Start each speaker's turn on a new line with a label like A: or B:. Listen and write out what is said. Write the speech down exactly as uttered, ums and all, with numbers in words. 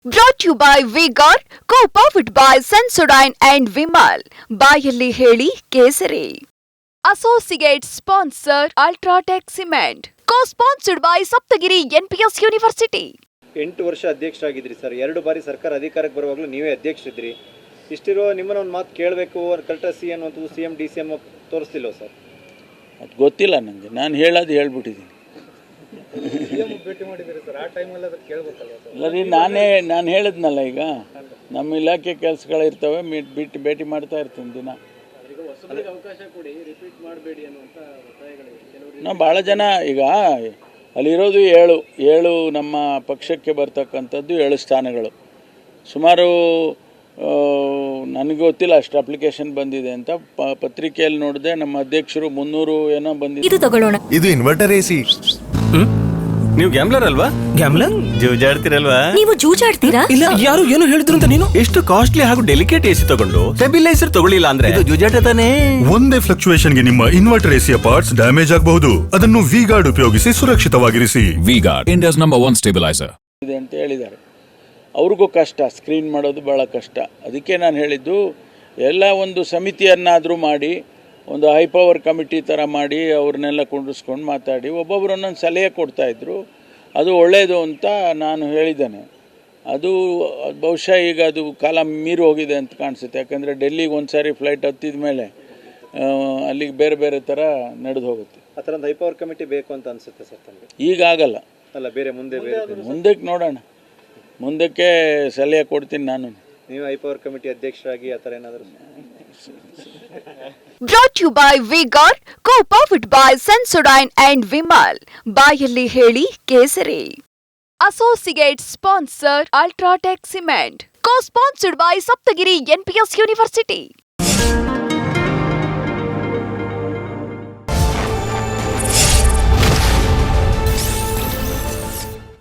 A: Brought to you by V-Guard, co-powered by Sensodyne and Vimal. ಬಾಯಲ್ಲಿ ಹೇಳಿ ಕೇಸರಿ. Associate sponsor Ultratech Cement. Co-sponsored by Saptagiri N P S University.
B: ಎಂಟು ವರ್ಷ ಅಧ್ಯಕ್ಷರಾಗಿದ್ರಿ sir. ಎರಡು ಬಾರಿ ಸರ್ಕಾರ ಅಧಿಕಾರಕ್ಕೆ ಬರುವಾಗಲೂ ನೀವೇ ಅಧ್ಯಕ್ಷರಿದ್ರಿ. ಇಷ್ಟಿರೋ ನಿಮ್ಮನ್ನ ಒಂದು ಮಾತು ಕೇಳಬೇಕು ಕಲ್ಟಸಿ ಅನ್ನುವಂಥದ್ದು C M D C M ತೋರಿಸ್ತಿಲ್ವ ಸರ್?
C: ಅದು ಗೊತ್ತಿಲ್ಲ ನನಗೆ. ನಾನು ಹೇಳೋದು ಹೇಳ್ಬಿಟ್ಟಿದ್ದೀನಿ.
B: ಭೇಟಿ ಮಾಡಿದ್ದೀರಿ ಸರ್, ಆ ಟೈಮಲ್ಲಿ ಅದಕ್ಕೆ ಕೇಳಬೇಕಲ್ಲ ಸರ್?
C: ಇಲ್ಲ ರೀ, ನಾನೇ ನಾನು ಹೇಳಿದ್ನಲ್ಲ, ಈಗ ನಮ್ಮ ಇಲಾಖೆ ಕೆಲಸಗಳಿರ್ತವೆ, ಬಿಟ್ಟು ಭೇಟಿ ಮಾಡ್ತಾ ಇರ್ತೀನಿ ದಿನ.
B: ಅವಕಾಶ ಕೊಡಿ, ರಿಪೀಟ್ ಮಾಡಬೇಡಿ ಅನ್ನುವಂಥ ಒತ್ತಾಯಗಳಿವೆ.
C: ನಾವು ಭಾಳ ಜನ ಈಗ ಅಲ್ಲಿರೋದು ಏಳು ಏಳು ನಮ್ಮ ಪಕ್ಷಕ್ಕೆ ಬರ್ತಕ್ಕಂಥದ್ದು ಏಳು ಸ್ಥಾನಗಳು. ಸುಮಾರು ನನಗೆ ಗೊತ್ತಿಲ್ಲ ಅಷ್ಟು ಅಪ್ಲಿಕೇಶನ್ ಬಂದಿದೆ ಅಂತ. ಪತ್ರಿಕೆಯಲ್ಲಿ ನೋಡಿದೆ ನಮ್ಮ ಅಧ್ಯಕ್ಷರು ಮುನ್ನೂರು ಏನೋ ಬಂದಿದೆ.
D: ಇದು ತಗೊಳ್ಳೋಣ.
E: ಇದು ಇನ್ವರ್ಟರ್ ಎಸಿ.
F: ನೀವು ಗ್ಯಾಮ್ಲರ್ ಅಲ್ವಾ?
E: ಗ್ಯಾಮ್ಲರ್
F: ಜೂಜಾಡ್ತಿರಲ್ವಾ?
D: ನೀವು ಜೂಜಾಡ್ತೀರಾ?
F: ಇಲ್ಲ, ಯಾರು ಏನು ಹೇಳಿದ್ರು ಅಂತ ನೀನು ಎಷ್ಟು ಕಾಸ್ಟ್ಲಿ ಹಾಗೂ ಡೆಲಿಕೇಟ್ ಎಸಿ ತಗೊಂಡು ಸ್ಟೆಬಿಲೈಸರ್ ತಗೊಳ್ಳಿಲ್ಲ ಅಂದ್ರೆ ಇದು ಜೂಜಾಟ ತಾನೇ.
E: ಒಂದೇ ಫ್ಲಕ್ಚುಯೇಷನ್ ಗೆ ನಿಮ್ಮ ಇನ್ವರ್ಟರ್ ಎಸಿಯ ಪಾರ್ಟ್ಸ್ ಡ್ಯಾಮೇಜ್ ಆಗಬಹುದು. ಅದನ್ನು ವಿ ಗಾರ್ಡ್ ಉಪಯೋಗಿಸಿ ಸುರಕ್ಷಿತವಾಗಿರಿಸಿ.
G: V Guard, India's number one stabiliser
C: ಇದೆ ಅಂತ ಹೇಳಿದ್ದಾರೆ. ಅವ್ರಿಗೂ ಕಷ್ಟ, ಸ್ಕ್ರೀನ್ ಮಾಡೋದು ಭಾಳ ಕಷ್ಟ. ಅದಕ್ಕೆ ನಾನು ಹೇಳಿದ್ದು, ಎಲ್ಲ ಒಂದು ಸಮಿತಿಯನ್ನಾದರೂ ಮಾಡಿ, ಒಂದು ಹೈ ಪವರ್ ಕಮಿಟಿ ಥರ ಮಾಡಿ ಅವ್ರನ್ನೆಲ್ಲ ಕುಂಡಿಸ್ಕೊಂಡು ಮಾತಾಡಿ ಒಬ್ಬೊಬ್ಬರು ಒಂದೊಂದು ಸಲಹೆ ಕೊಡ್ತಾಯಿದ್ರು. ಅದು ಒಳ್ಳೆಯದು ಅಂತ ನಾನು ಹೇಳಿದ್ದೇನೆ. ಅದು ಬಹುಶಃ ಈಗ ಅದು ಕಾಲ ಮೀರಿ ಹೋಗಿದೆ ಅಂತ ಕಾಣಿಸುತ್ತೆ. ಯಾಕಂದರೆ ಡೆಲ್ಲಿಗೆ ಒಂದು ಸಾರಿ ಫ್ಲೈಟ್ ಹತ್ತಿದ ಮೇಲೆ ಅಲ್ಲಿಗೆ ಬೇರೆ ಬೇರೆ ಥರ ನಡೆದು ಹೋಗುತ್ತೆ.
B: ಆ ಥರ ಒಂದು ಹೈ ಪವರ್ ಕಮಿಟಿ ಬೇಕು ಅಂತ ಅನಿಸುತ್ತೆ ಸರ್ ತಮಗೆ?
C: ಈಗ ಆಗಲ್ಲ
B: ಅಲ್ಲ, ಬೇರೆ ಮುಂದೆ ಬೇರೆ
C: ಮುಂದಕ್ಕೆ ನೋಡೋಣ, ಮುಂದಕ್ಕೆ ಸಲಹೆ ಕೊಡ್ತೀನಿ ನಾನು.
B: ನೀವು ಹೈ ಪವರ್ ಕಮಿಟಿ ಅಧ್ಯಕ್ಷರಾಗಿ ಆ ಥರ ಏನಾದರೂ?
A: Brought to you by V-Guard, co-powered by Sensodyne and Vimal. ಬಾಯಲ್ಲಿ ಹೇಳಿ ಕೇಸರಿ. Associate sponsor Ultratech Cement. Co-sponsored by Saptagiri N P S University.